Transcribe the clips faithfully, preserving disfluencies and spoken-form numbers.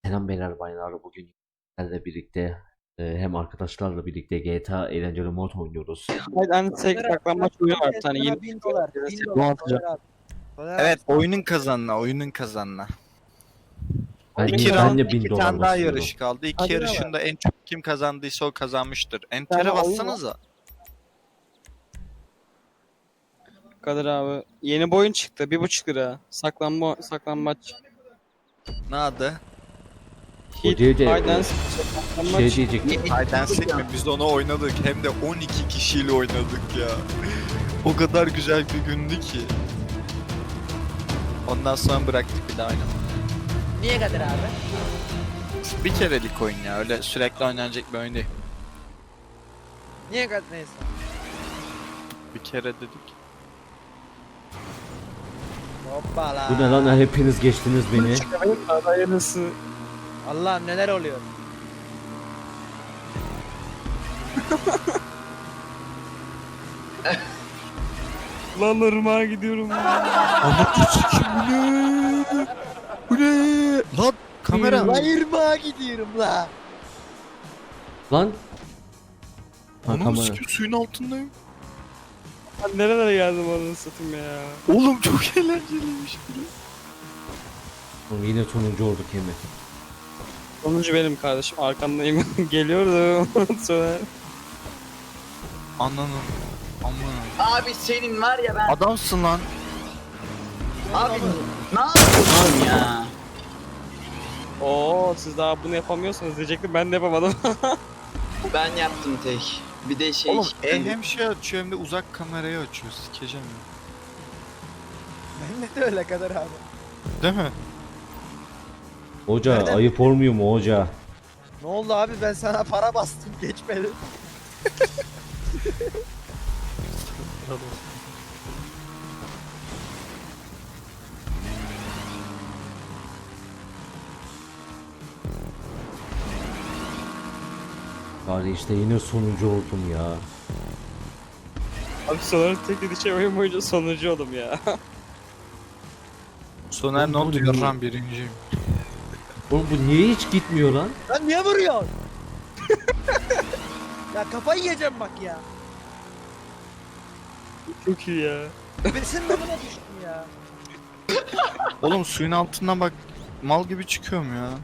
Selam beyler baylar, bugün sizlerle birlikte e, hem arkadaşlarla birlikte G T A eğlenceli mod oynuyoruz. Hayır hani tek Soner abi, saklanmaç bak, oyunu var bir herkes tane sana yeni. bin dolar, bin Bunu dolar atacağım. Soner abi. Soner Evet, abi, oyunun kazanına, oyunun kazanına. Ben, Oyunun niye, kazanı ben de bin İki dolar tane daha basıyorum. yarış kaldı. İki Hadi yarışında en çok kim kazandıysa o kazanmıştır. Enter'e tane oyun bassanıza. Kadir abi. Yeni boyun çıktı. Bir buçuk lira. Saklanma, saklanmaç. Ne adı? O Hit, değil de, hide and e, seek, Şey saklanmaç. diyecektim. Hide and Seek mi? Biz onu oynadık. Hem de on iki kişiyle oynadık ya. O kadar güzel bir gündü ki. Ondan sonra bıraktık bir daha oynamadık. niye Kadir abi? Bir kerelik oyun ya. Öyle sürekli oynanacak bir oyun değil. Niye Kadir neyse. Bir kere dedik. Hoppala. Bu ne lan, hepiniz geçtiniz beni. Hayırlısı. Allah'ım neler oluyor? Lan ırmağa gidiyorum. Anlatır sikim bu ne? Bu ne? Lan kamera. La irmağa gidiyorum la. Lan. Ha, Anam kamera. sikim suyun altındayım. Ben nerelere geldim onu satayım ya. Oğlum çok eğlenceliymiş. Oğlum yine sonuncu olduk yemin. Sonuncu benim kardeşim. Arkandayım. Geliyorum. Sonra. Ananın. Aman. Abi senin var ya ben Adamsın lan. abi ne yapıyorsun ya? Oo siz daha bunu yapamıyorsanız diyecektim. Ben de yapamadım. Ben yaptım tek. Bir de şey Oğlum e, hem şey açıyor hem de uzak kamerayı açıyor. Sikeceğim ya. Ben de öyle Kadir abi. Değil mi? Hoca Nereden ayıp olmuyor mu hoca? Ne oldu abi, ben sana para bastım geçmedi. Bari işte yine sonuncu oldum ya. Abi sonra tek dediği şey oyun boyunca sonuncu oldum ya. Soner ne Oğlum, oldu? bu ne? Yarram birinciyim. Oğlum bu niye hiç gitmiyor lan? Lan niye vuruyorsun? Ya kafayı yiyeceğim bak ya. Çok iyi ya. Ben senin amına düştüm ya. Oğlum suyun altından bak mal gibi çıkıyorum ya.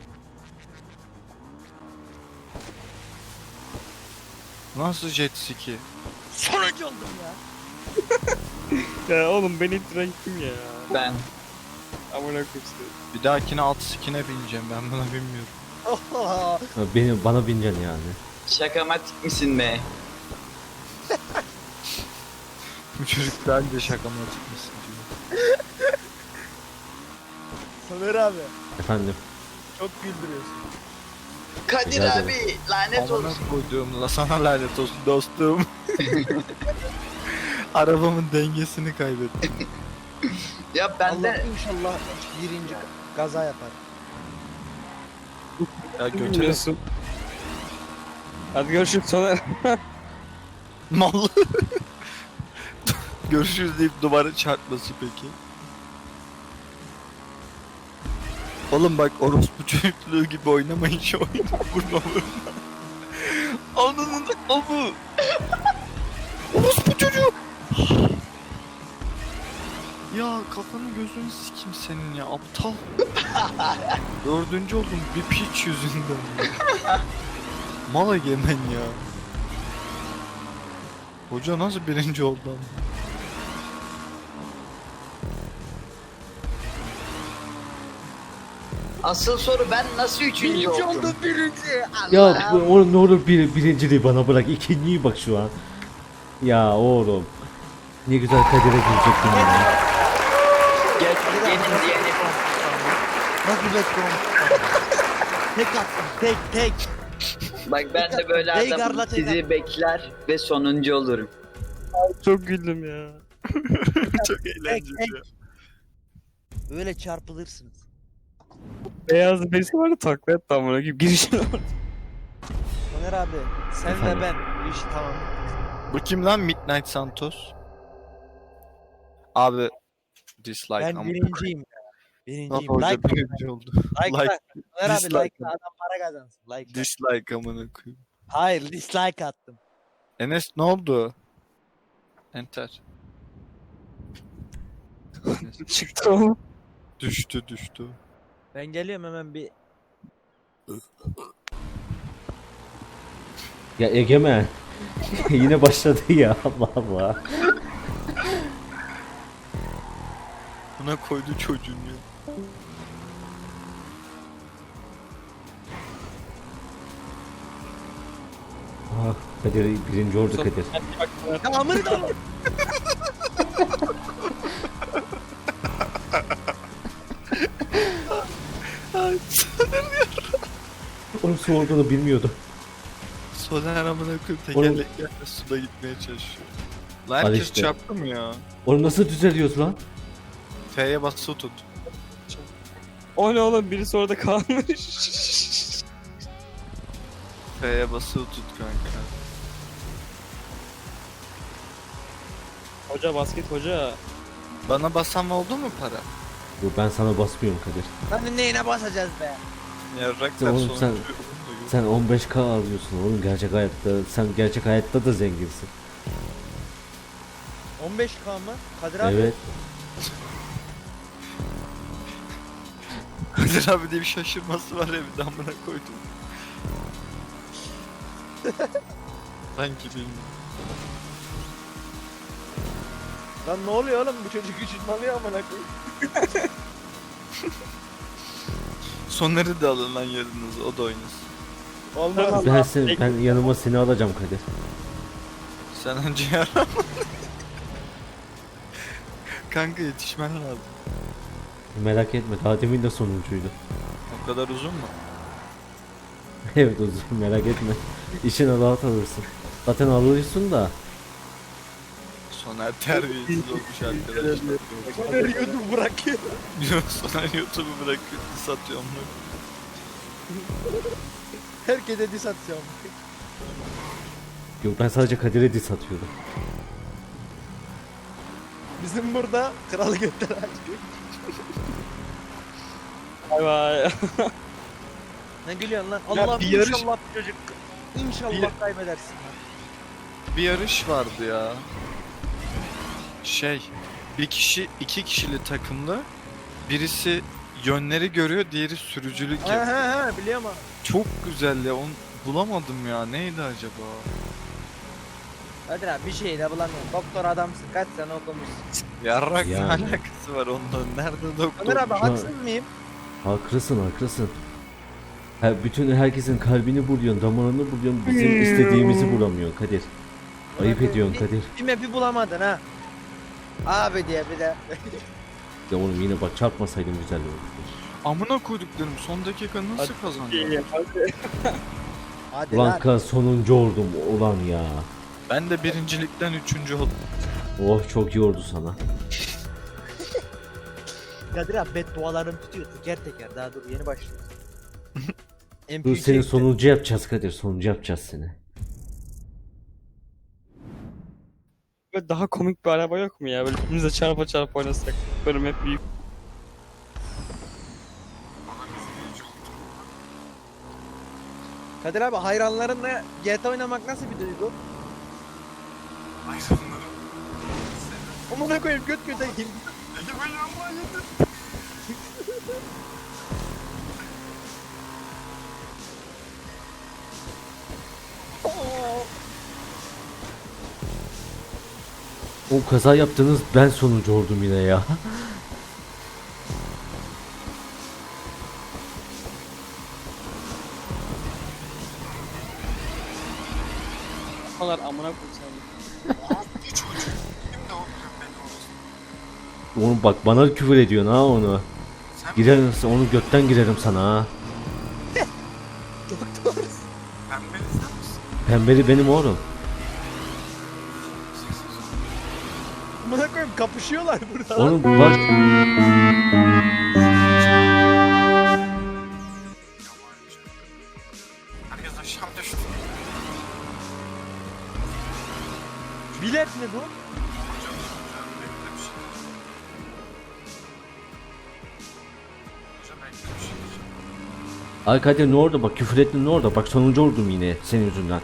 Nasıl jet ski? Sonuncu oldum ya. Ya oğlum beni ittiren kim ya? Ben. Amına koyayım seni. Bir dahakine alt skine bineceğim ben buna bilmiyorum. Ha, beni, bana bineceksin yani. Şakamatik misin be? Bu çocuk daha önce şakama çıkmışsın diyor. Soner abi Efendim. çok güldürüyorsun. Kadir Rica abi lanet Amına olsun. koyduğum la sana lanet olsun dostum. Arabamın dengesini kaybettim. Ya ben Allah de inşallah birinci gaza yapar. Ya götüre Biliyorsun. Hadi görüşürüz sonra. mallı. Görüşürüz deyip duvara çarpması peki. Oğlum bak orospu çocukluğu gibi oynamayın şu oyunu. Vurma vurma. Ananın amı. Orospu çocuğu. Ya kafanı gözünü sikim senin ya aptal. Dördüncü oldum bir piç yüzünden. ya. Mal egemen ya. Hoca nasıl birinci oldu ama? asıl soru ben nasıl üçüncü Birinci oldum? oldu birinci. Allah. Ya bu- oğlum ne olur bir, birinciliği bana bırak. İkinciyi bak şu an. Ya oğlum. Ne güzel Kadir'e girecektim ya. Gel gelin diyelim. Nasıl bekliyorum? Tek attım tek tek. Bak ben de böyle Hey, adamım garlat, sizi hey, bekler ve sonuncu olurum. Çok güldüm ya. Çok Tek eğlenceli tek. ya. Böyle çarpılırsınız. Beyaz birisi vardı takla etti amına koyayım. Girişine bak. Soner abi sen Efendim? ve ben bu iş tamam. Bu kim lan Midnight Santos? Abi dislike Ben ama birinciyim. Birinciyim. Hoca Like, birinci oldu. like, like, like. Ömer abi dislike. like adam para kazansın. Like, like. Dislike amına koyayım. Hayır dislike attım. Enes ne oldu? Enter. Çıktı oğlum. Düştü düştü. Ben geliyorum hemen bir. Ya Egemen. Yine başladı ya Allah Allah. Buna koydu çocuğun ya. Ah, Kadir birinci oldu Kadir. Hadi bak. Ya amını da Onun su olduğunu bilmiyordum. Soner amına koyayım tekerleklerle suda gitmeye çalışıyor. Lan Al herkes işte. çarptı mı ya? Onu nasıl düzeliyoruz lan? F'ye bas su tut. O ne oğlum, birisi orada kalmış. F'ye bas su tut kanka. Hoca basket hoca. Bana basan oldu mu para? Yo, ben sana basmıyorum Kadir. Lan neyine basacağız be? Yarrak Sen ver oğlum, sonucu. sen- Sen on beş K alıyorsun oğlum gerçek hayatta. Sen gerçek hayatta da zenginsin. on beş K mı? Kadir abi. Evet. Kadir abi diye bir şaşırması var ya bir de amına koydum. Sanki bilmiyorum. Lan ne oluyor oğlum bu çocuk üşütmalıyor amına koyayım. Soner'i de alın lan yanınıza o da oynasın. Olmaz. Ben seni, ben yanıma seni alacağım Kadir. Sen önce yaram. Kanka yetişmen lazım. Merak etme daha demin de sonuncuydu. O kadar uzun mu? Evet uzun merak etme. İşine rahat alırsın. Zaten alıyorsun da. Soner terbiyesiz olmuş arkadaşlar. Soner YouTube bırakıyor. Yok Soner YouTube'u bırakıyor satıyor onu. Herkese diss atacağım. Yok ben sadece Kadir'e diss atıyordum. Bizim burada kralı götler açıyor. Vay vay. Ne gülüyorsun lan? Ya Allah bir yarış- inşallah çocuk. İnşallah Bir- kaybedersin lan. Bir yarış vardı ya. Şey, bir kişi iki kişili takımda birisi yönleri görüyor, diğeri sürücülük He yapıyor. he he biliyorum abi. Çok güzel ya, onu bulamadım ya. Neydi acaba? Kadir abi bir şey de bulamıyorum. Doktor adamsın. Kaç sene okumuşsun. Yarrak ne Yani. alakası var ondan? Nerede doktor? Kadir abi şu an- haksız mıyım? Haklısın haklısın. Ha, bütün herkesin kalbini buluyorsun, damarını buluyorsun. Bizim istediğimizi bulamıyorsun Kadir. Ayıp ediyorsun Kadir. Bir map'i bulamadın ha. Abi diye bir de. Ya oğlum yine bak çarpmasaydım güzel olurdu. Amına koyduklarım son dakika nasıl kazandı? Hadi. Hadi Ulan lan. kız sonuncu oldum ulan ya. Ben de birincilikten üçüncü oldum. Oh çok iyi oldu sana. Kadir abi beddualarım tutuyor teker teker. Daha dur yeni başlıyoruz. M P Dur seni çekti. sonuncu yapacağız Kadir. Sonuncu yapacağız seni. Böyle daha komik bir araba yok mu ya? Böyle birbirimize çarpa çarpa oynasak. Böyle hep büyük. Kadir abi hayranlarınla G T A oynamak nasıl bir duygu? Amına koyayım göt göte girdi. O kaza yaptınız ben sonuncu oldum yine ya. Onlar amına koyayım. Oğlum bak bana küfür ediyorsun ha onu. Girerim onu götten girerim sana ha. Pembeli benim oğlum. Amına koyayım kapışıyorlar burada. Oğlum bunlar Herkes aşağı düştü. Bilet mi bu? Ay Kadir ne orada bak, küfür ettin ne orada bak, sonuncu oldum yine senin yüzünden.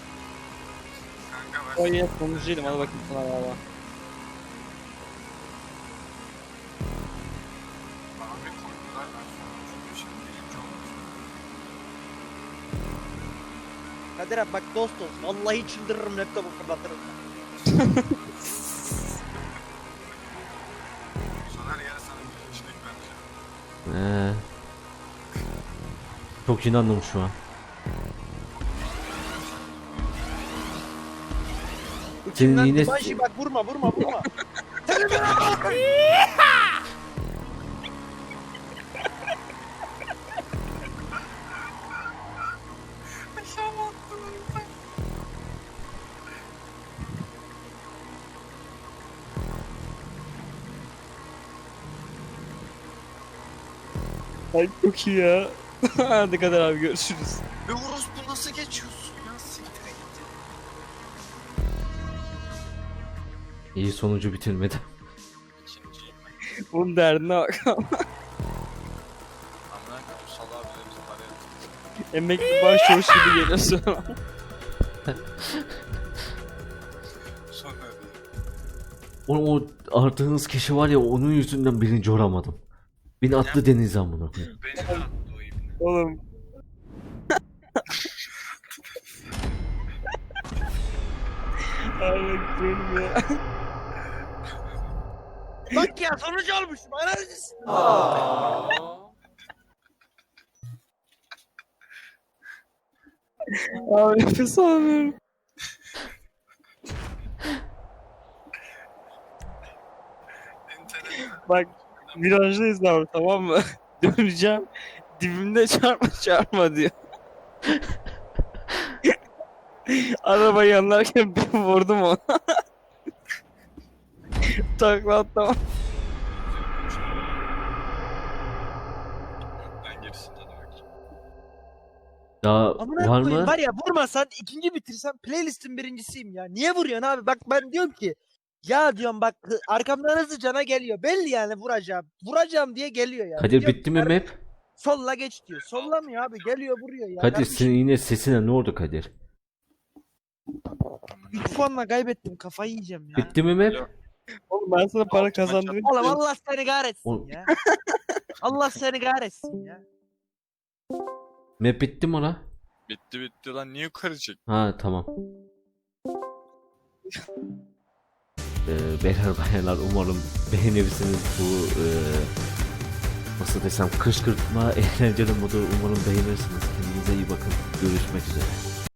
O yine sonuncuyum, hadi bakayım sana valla. Kadir abi bak dost olsun. Vallahi çıldırırım, laptopu fırlatırım. Ee, çok inandım şu an. Senin İçimden yine- Dimashi bak vurma vurma vurma. Ay çok iyi ya. Hadi Kadir abi görüşürüz. Ve orospu nasıl geçiyorsun ya? Siktir git. İyi sonucu bitirmedi. İkinciyim ben. Bunun derdine bak. Amına koyayım salağa bile bize para yatırdı. Emekli başçavuş gibi geliyorsun. Sonra değil. O, o aradığınız kişi var ya, onun yüzünden birinci olamadım. Beni attı denize amına koyayım. Beni de attı o ibne. Oğlum. Ay bakıyorum ya. Bak ya sonucu olmuş. Bana acısın. Abi nefes alamıyorum. Bak virajdayız abi, tamam mı? Döneceğim. Dibimde çarpma çarpma diyor. Arabayı yanlarken bir vurdum ona. Takla atlamam. Ben gerisinden öyle. Daha Amına var koyayım mı? var ya, vurmasan ikinci bitirsem playlistin birincisiyim ya. Niye vuruyorsun abi? Bak ben diyorum ki ya diyorum bak hı- arkamdan hızlı cana geliyor. Belli yani vuracağım. Vuracağım diye geliyor ya. Kadir Diyorum bitti mi ki, map? Solla geç diyor. Sollamıyor abi. Geliyor vuruyor ya. Kadir Kardeşim, senin yine sesine ne oldu Kadir? üç puanla kaybettim. Kafayı yiyeceğim ya. Bitti mi map? Oğlum ben sana para kazandırayım. Oğlum Allah seni kahretsin Oğlum. ya. Allah seni kahretsin ya. Map bitti mi la? Bitti bitti lan niye yukarı çek? Ha tamam. Ee, beyler bayanlar umarım beğenirsiniz bu e, nasıl desem kışkırtma eğlenceli modu, umarım beğenirsiniz. Kendinize iyi bakın. Görüşmek üzere.